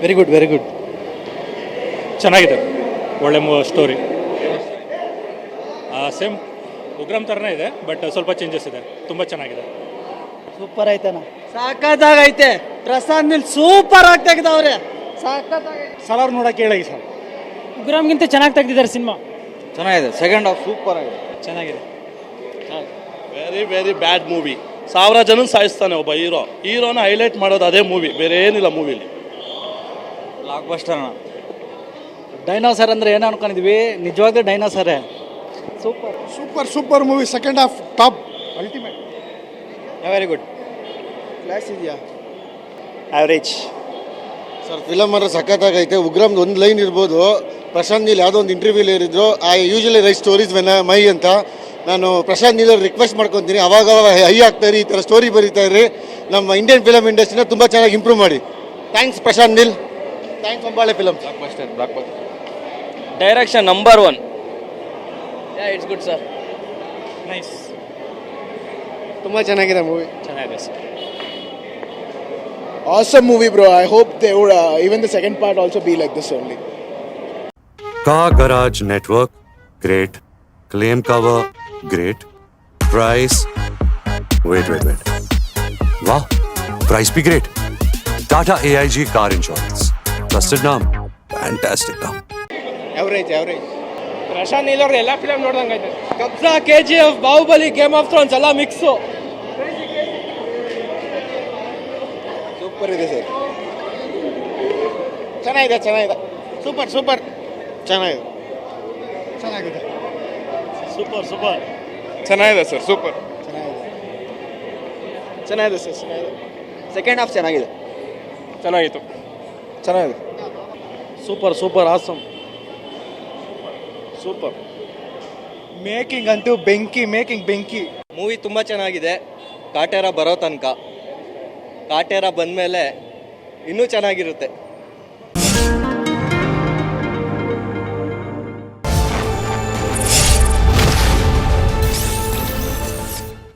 Very good very good. ಚೆನ್ನಾಗಿದೆ, ಒಳ್ಳೆ story. Same Ugramm ಥರನೇ ಇದೆ, ಬಟ್ ಸ್ವಲ್ಪ ಚೇಂಜಸ್ ಇದೆ. ತುಂಬ ಚೆನ್ನಾಗಿದೆ. ಸೂಪರ್ ಐತನ, ಸಾಕತ್ತಾಗೈತೆ. ಪ್ರಸಾದ್ ನೀಲ್ ಸೂಪರ್ ಆಗಿ ತೆಗ್ದವ್ರೆ, ಸಾಕತ್ತಾಗೈತೆ. ಸಲಾರ್ ನೋಡಕ್ಕೆ ಹೇಳಿ ಸರ್. ಉಗ್ರಮ್ಗಿಂತ ಚೆನ್ನಾಗಿ ತೆಗ್ದಿದ್ದಾರೆ ಸಿನಿಮಾ. ಚೆನ್ನಾಗಿದೆ, ಸೆಕೆಂಡ್ ಹಾಫ್ ಸೂಪರ್ ಆಗಿದೆ. ಚೆನ್ನಾಗಿದೆ. Very very bad movie. 1000 ಜನ ಸಾಯಿಸ್ತಾನೆ ಒಬ್ಬ ಹೀರೋನ ಹೈಲೈಟ್ ಮಾಡೋದು ಅದೇ ಮೂವಿ, ಬೇರೆ ಏನಿಲ್ಲ ಮೂವಿಲಿ. Block buster. ಡೈನೋಸರ್ ಅಂದ್ರೆ ಏನು ಅನ್ಕೊಂಡಿದ್ವಿ, ನಿಜವಾಗ್ಲೂ ಡೈನೋಸರೇ. Super super super movie. Second half top, ultimate. Very good. Class ಇದೆಯಾ? ಆವ್ರೇಜ್. ಸರ್ ಫಿಲಮ್ ಅಂದ್ರೆ ಸಖತ್ತಾಗೈತೆ. ಉಗ್ರಮ್ದು ಒಂದು ಲೈನ್ ಇರ್ಬೋದು. ಪ್ರಶಾಂತ್ ನೀಲ್ ಯಾವುದೋ ಒಂದು ಇಂಟರ್ವ್ಯೂಲಿ ಹೇಳಿದ್ರು, I usually write stories when my ಅಂತ. ನಾನು ಪ್ರಶಾಂತ್ ನೀಲ್ ರಿಕ್ವೆಸ್ಟ್ ಮಾಡ್ಕೊತೀನಿ, ಅವಾಗ ಹೈ ಆಗ್ತಾಯಿರಿ, ಈ ಥರ ಸ್ಟೋರಿ ಬರೀತಾ ಇರಿ, ನಮ್ಮ ಇಂಡಿಯನ್ ಫಿಲಮ್ ಇಂಡಸ್ಟ್ರಿನ ತುಂಬ ಚೆನ್ನಾಗಿ ಇಂಪ್ರೂವ್ ಮಾಡಿ. Thanks Prashanth Neel, thanks Hombale film. Direction number 1. It's good sir. Nice. ತುಂಬ ಚೆನ್ನಾಗಿದೆ ಮೂವಿ. ಚೆನ್ನಾಗಿದೆ sir. Awesome movie, bro. I hope they would even the second part also be like this only. Car Garage Network, great. Claim cover, great. Price, wait. Wow, price be great. Tata AIG Car Insurance. Trusted name, fantastic name. Average. Prashanth Neel ಅವ್ರದ್ದು ಎಲ್ಲ film ನೋಡ್ದಂಗೈತೆ. Kabzaa, KGF, Baahubali, game of thrones ಎಲ್ಲ mix. Super ಇದೆ sir. ಚೆನ್ನಾಗಿದೆ. Super ಚೆನ್ನಾಗಿದೆ. Super ಚೆನ್ನಾಗಿದೆ sir. Super ಚೆನ್ನಾಗಿದೆ sir. Second half ಚೆನ್ನಾಗಿದೆ. ಚೆನ್ನಾಗಿದೆ. Super awesome. ಸೂಪರ್. ಮೇಕಿಂಗ್ ಅಂತೂ ಬೆಂಕಿ. ಮೂವಿ ತುಂಬ ಚೆನ್ನಾಗಿದೆ. ಕಾಟೇರ ಬರೋ ತನಕ. ಕಾಟೇರ ಬಂದಮೇಲೆ ಇನ್ನೂ ಚೆನ್ನಾಗಿರುತ್ತೆ.